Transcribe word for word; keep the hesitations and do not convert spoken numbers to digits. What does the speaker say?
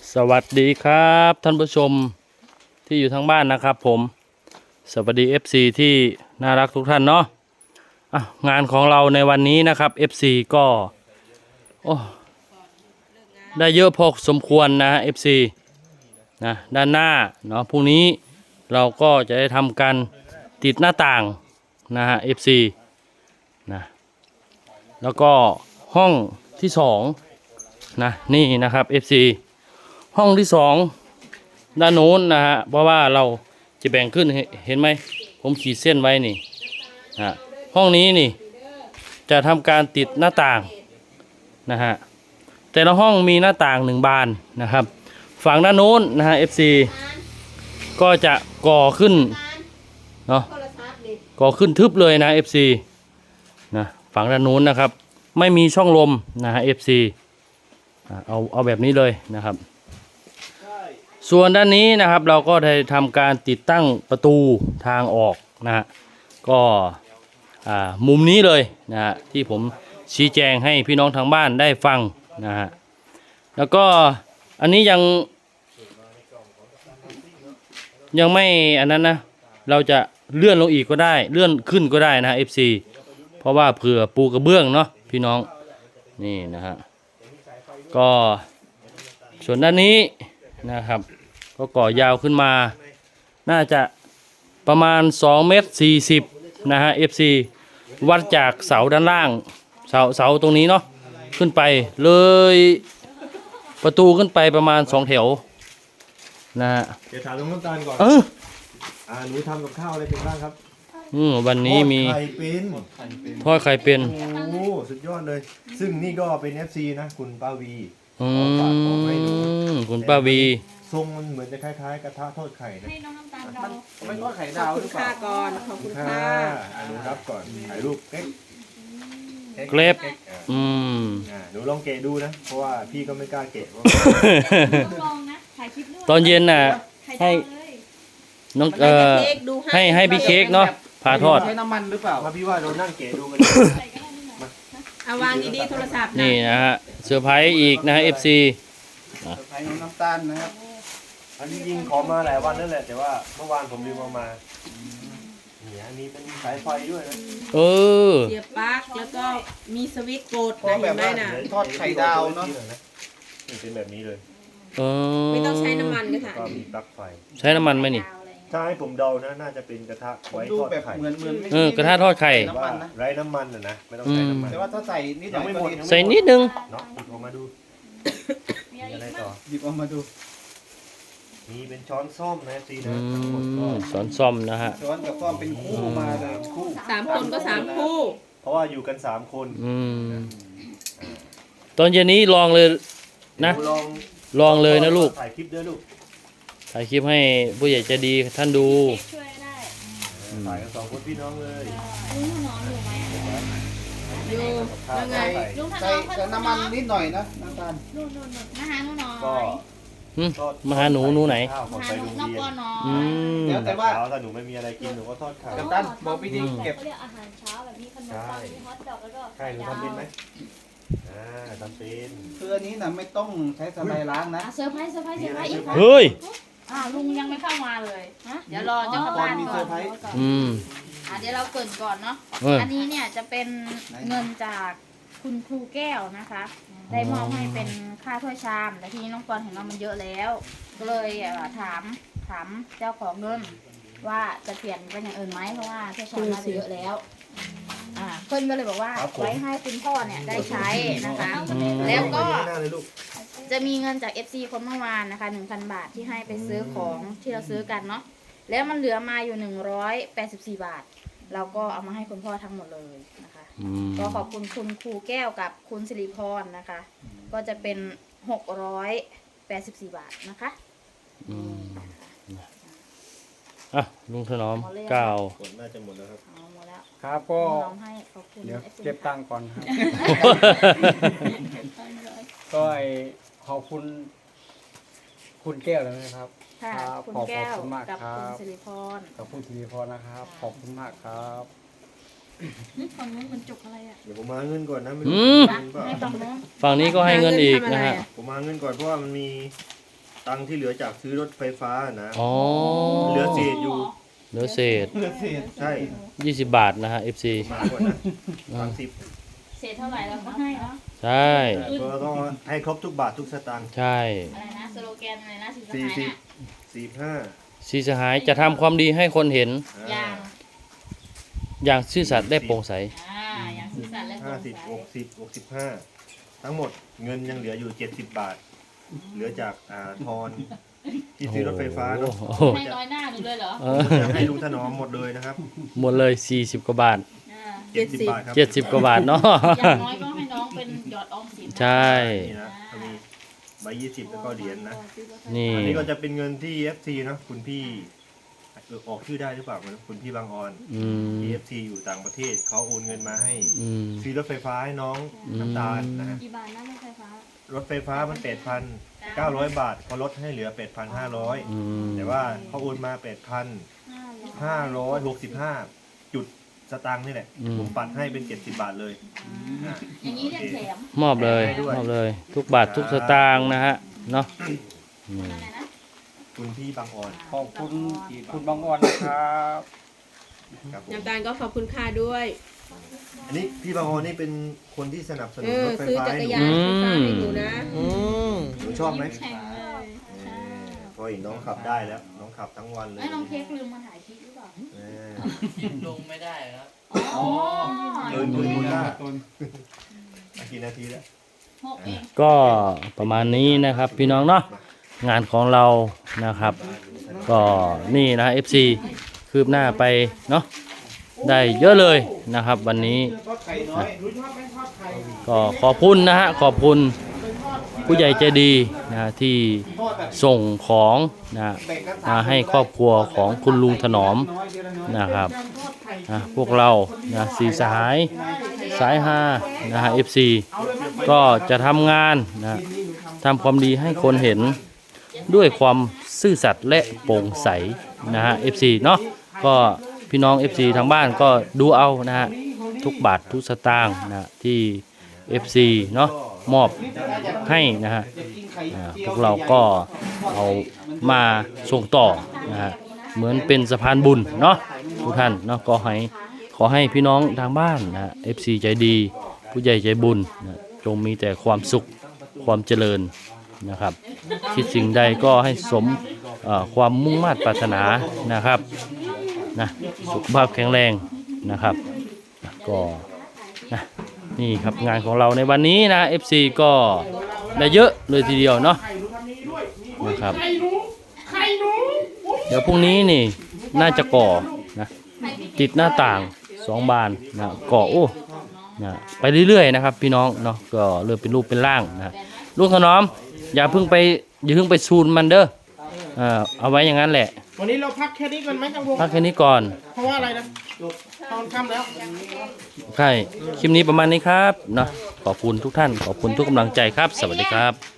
สวัสดีครับท่านผู้ชมที่อยู่ทางบ้านนะครับผมสวัสดี เอฟ ซี ที่น่ารักทุกท่านเนาะะงานของเราในวันนี้นะครับ เอฟ ซี ก็โอ้ได้เยอะพอสมควรนะ เอฟ ซี นะด้านหน้าเนาะพรุ่งนี้เราก็จะได้ทำการติดหน้าต่างนะฮะ เอฟ ซี นะแล้วก็ห้องที่สองนะนี่นะครับ เอฟ ซี ห้องที่สองด้านโน้นนะฮะเพราะว่าเราจะแบ่งขึ้นเห็นไหมผมขีดเส้นไว้นี่นะห้องนี้นี่จะทำการติดหน้าต่างนะฮะแต่ละห้องมีหน้าต่างหนึ่งบานนะครับฝั่งด้านโน้นนะฮะ เอฟ ซี ก็จะก่อขึ้นเนาะก่อขึ้นทึบเลยนะ เอฟ ซี นะฝั่งด้านโน้นนะครับไม่มีช่องลมนะฮะ เอฟ ซี เอาเอาแบบนี้เลยนะครับส่วนด้านนี้นะครับเราก็ได้ทำการติดตั้งประตูทางออกนะฮะก็มุมนี้เลยนะฮะที่ผมชี้แจงให้พี่น้องทางบ้านได้ฟังนะฮะแล้วก็อันนี้ยังยังไม่อันนั้นนะเราจะเลื่อนลงอีกก็ได้เลื่อนขึ้นก็ได้นะ เอฟ ซี เพราะว่าเผื่อปูกระเบื้องเนาะพี่น้องนี่นะฮะก็ส่วนด้านนี้นะครับก็ก่อยาวขึ้นมาน่าจะประมาณสองเมตรสี่สิบนะฮะ เอฟ ซี วัดจากเสาด้านล่างเสาเสาตรงนี้เนาะขึ้นไปเลยประตูขึ้นไปประมาณสองแถวนะฮะเดี๋ยวถามลุงน้ำตาลก่อนเอออ่าหนูทำกับข้าวอะไรเป็นบ้างครับอืมวันนี้มีทอดไข่เป็นทอดไข่เป็นโอ้สุดยอดเลยซึ่งนี่ก็เป็น เอฟ ซี นะคุณป้าวีอืมคุณป้าวีทรงมันเหมือนจะคล้ายๆกระทะทอดไข่นะให้น้องน้ำตาลเราไม่ทอดไข่ดาวหรือเปล่าก่อนขอบคุณค่ะอ่าหนูรับก่อนถ่ายรูปเก๊กเกรฟอืมอ่าหนูลองเกะดูนะเพราะว่าพี่ก็ไม่กล้าเกะเพราะต้องลองนะถ่ายคลิปด้วยตอนเย็นน่ะให้น้องเอ่อให้ให้พี่เค้กเนาะพาทอดใช้น้ำมันหรือเปล่ามาพี่ว่าเรานั่งเกะดูกันเอาวางดีๆโทรศัพท์นี่นะฮะเซอร์ไพรส์อีกนะฮะ เอฟ ซีใช้น้ำตาลนะครับอันนี้ยิงขอมาหลายวันนั่นแหละแต่ว่าเมื่อวานผมลืมเอามาเนี่ยมีเป็นสายไฟด้วยนะเออเสียบปลั๊กแล้วก็มีสวิตช์กดนะเห็นไหมน่ะทอดไข่ดาวเนาะเป็นแบบนี้เลยเออไม่ต้องใช้น้ำมันก็ถ่ายก็มีปลั๊กไฟใช้น้ำมันไหมนี่ถ้าให้ผมเดานะน่าจะเป็นกระทะไว้ทอดไข่เหมือนเหมือนเออกระทะทอดไข่ไร้น้ำมันนะนะไม่ต้องใช้น้ำมันแต่ว่าถ้าใส่นิดหน่อยใส่นิดนึงเนาะหยิบออกมาดูมีอะไรต่อหยิบออกมาดูมีเป็นช้อนส้อมนะซีนะช้อนส้อมนะฮะช้อนกับส้อมเป็นคู่มาเลยคู่สามคนก็สามคู่เพราะว่าอยู่กันสามคนอืมตอนเย็นนี้ลองเลยนะลองเลยนะลูกถ่ายคลิปด้วยลูกถ่ายคลิปให้ผู้ใหญ่ใจดีท่านดูช่วยได้ถ่ายกันสองคนพี่น้องเลยลุงถนอมอยู่ไหมอยู่ยังไงลุงถนอมใส่น้ำมันนิดหน่อยนะน้ำตาลนู่นนู่นมาหาหนูหน่อยก็มาหาหนูหนูไหนมาหาหนูนอกก่อนหน่อยแล้วแต่ว่าถ้าหนูไม่มีอะไรกินหนูก็ทอดไข่น้ำตาลบอกพี่ดิเก็บเขาเรียกอาหารเช้าแบบนี้ขนมปังมีฮอทดอกแล้วก็ใช่หนูทำเป็นไหมอ่าทำเป็นคืออันนี้นะไม่ต้องใช้สไลด์ล้างนะเซอร์ไพรส์เซอร์ไพรส์เซอร์ไพรส์อีกเฮ้ยอ่าลุงยังไม่เข้ามาเลยเดี๋ยวรอเจ้าของบ้านก่อนอืมอ่าเดี๋ยวเราเกินก่อนเนาะอันนี้เนี่ยจะเป็นเงินจากคุณครูแก้วนะคะได้มอบให้เป็นค่าถ้วยชามแต่ทีนี้น้องปอนเห็นว่ามันเยอะแล้วก็เลยถามถามเจ้าของเงินว่าจะเปลี่ยนเป็นอย่างอื่นไหมเพราะว่าถ้วยชามน่าจะเยอะแล้วอ่าเพื่อนก็เลยบอกว่าไว้ให้คุณพ่อเนี่ยได้ใช้นะคะแล้วก็จะมีเงินจาก เอฟ ซี คนเมื่อวานนะคะ หนึ่งพัน บาทที่ให้ไปซื้อของที่เราซื้อกันเนาะแล้วมันเหลือมาอยู่หนึ่งร้อยแปดสิบสี่บาทเราก็เอามาให้คุณพ่อทั้งหมดเลยนะคะก็ขอบคุณคุณครูแก้วกับคุณสิริพรนะคะก็จะเป็นหกร้อยแปดสิบสี่บาทนะคะอ่ะลุงถนอมเก้าน่าจะหมดแล้วครับหมดแล้วครับก็เดี๋ยวเก็บตังค์ก่อนครับก็ขอบคุณคุณแก้วแล้วนะครับค่ะคุณแก้วกับคุณสิริพรกับคุณสิริพรนะครับขอบคุณมากครับนี่ฝั่งนู้นมันจุกอะไรอ่ะเดี๋ยวผมมาเงินก่อนนะไม่รู้ให้ฝั่งนู้นฝั่งนี้ก็ให้เงินอีกนะฮะผมมาเงินก่อนเพราะว่ามันมีตังค์ที่เหลือจากซื้อรถไฟฟ้านะอ๋อเหลือเศษอยู่เหลือเศษใช่ยี่สิบบาทนะฮะ เอฟ ซีมากกว่านะสามสิบเศษเท่าไหร่เราก็ให้เนาะใช่ก็ต้องให้ครบทุกบาททุกสตางค์ใช่อะไรนะสโลแกนอะไรนะสิสสี่หายสิบน่ะสี่ห้าสีสหายจะทำความดีให้คนเห็นอย่างอย่างซื่อสัตย์และโปร่งใสอ่าอย่างซื่อสัตย์และโปร่ห้าง สิบใสหกสิบหกสิบห้าทั้งหมดเงินยังเหลืออยู่เจ็ดสิบบาท เหลือจากอ่าทอนที่ซื้อรถไฟฟ้าเนาะโอ้โหให้น้อยหน้าหนูเลยเหรอเออจะให้ลุงถนอมหมดเลยนะครับหมดเลยสี่สิบกว่าบาทอ่าเจ็ดสิบบาทครับเจ็ดสิบกว่าบาทเนาะอย่างน้อยก็ให้น้องเป็นหยอดออมสินนะใช่นี่นะก็มีใบยี่สิบแล้วก็เหรียญนะนี่อันนี้ก็จะเป็นเงินที่ เอฟ ซี เนาะคุณพี่เออออกชื่อได้หรือเปล่าไม่รู้คุณพี่บางออนอืมที่ เอฟ ซี อยู่ต่างประเทศเขาโอนเงินมาให้อืมซื้อรถไฟฟ้าให้น้องน้ำตาลนะฮะกี่บาทนะรถไฟฟ้ารถไฟฟ้ามันแปดพันเก้าร้อยบาทเขาลดให้เหลือแปดพันห้าร้อยอืมแต่ว่าเขาโอนมาแปดพันห้าร้อยหกสิบห้าจุดสตางค์นี่แหละผมปัดให้เป็นเจ็ดสิบบาทเลยอ่ะอย่างนี้เรียกแถมมอบเลยให้ด้วยมอบเลย ทุกบาททุกสตางค์นะฮะเนาะอืมอะไรนะคุณพี่บางออนขอบคุณคุณบางอ่อนนะครับครับผมน้ำตาลก็ขอบคุณค่าด้วยอันนี้พี่บางออนนี่เป็นคนที่สนับสเอนุนอรถไฟซื้อฟ้าจักให้รหนูยานไฟฟ้าให้หนูนะอืมหนูชอบไหมแข่งเลยเออพอเห็นน้องขับได้แล้ว น้องขับทั้งวันเลยไอ้น้องเค้กลืมมาถ่ายคลิปหรือเปล่าเออลงไม่ได้ครับอ๋อเดินคุยคุยได้กี่นาทีแล้วหกเองก็ประมาณนี้นะครับพี่น้องเนาะงานของเรานะครับ ก็นี่นะ เอฟ ซี คืบหน้าไปเนาะได้เยอะเลยนะครับ วันนี้นะก็ขอบคุณนะฮะขอบคุณผู้ใหญ่ใจดีนะที่ส่งของนะมาให้ครอบครัวของคุณลุงถนอมนะครับนะพวกเรานะสีสหายสายฮานะฮะ เอฟ ซี ก็จะทำงานนะทำความดีให้คนเห็นด้วยความซื่อสัตย์และโปร่งใสนะฮะ เอฟ ซี เนาะก็พี่น้อง เอฟ ซี ทางบ้านก็ดูเอานะฮะทุกบาททุกสตางค์นะที่ เอฟ ซี เนาะมอบให้นะฮะอ่าพวกเราก็เอามาส่งต่อนะฮะเหมือนเป็นสะพานบุญเนาะทุกท่านเนาะก็ให้ขอให้พี่น้องทางบ้านนะฮะ เอฟ ซี ใจดีผู้ใหญ่ใจบุญนะจงมีแต่ความสุขความเจริญนะครับคิดสิ่งใดก็ให้สมเอ่อความมุ่งมั่นปรารถนานะครับนะสุขภาพแข็งแรงนะครับนะก็นะนี่ครับงานของเราในวันนี้นะ เอฟ ซี ก็ได้เยอะเลยทีเดียวเนาะนะครับเดี๋ยวพรุ่งนี้นี่น่าจะก่อนะติดหน้าต่างสองบานนะก่อโอ้นะไปเรื่อยๆนะครับพี่น้องเนาะก็เริ่มเป็นรูปเป็นร่างนะลูกถนอมอย่าเพิ่งไปอย่าเพิ่งไปซูนมันเด้ออ่าเอาไว้อย่างนั้นแหละวันนี้เราพักแค่นี้ก่อนไหมครับวงพักแค่นี้ก่อนเพราะว่าอะไรนะตอนค่ำแล้วใช่คลิปนี้ประมาณนี้ครับเนาะขอบคุณทุกท่านขอบคุณทุกกำลังใจครับ สวัสดีครับ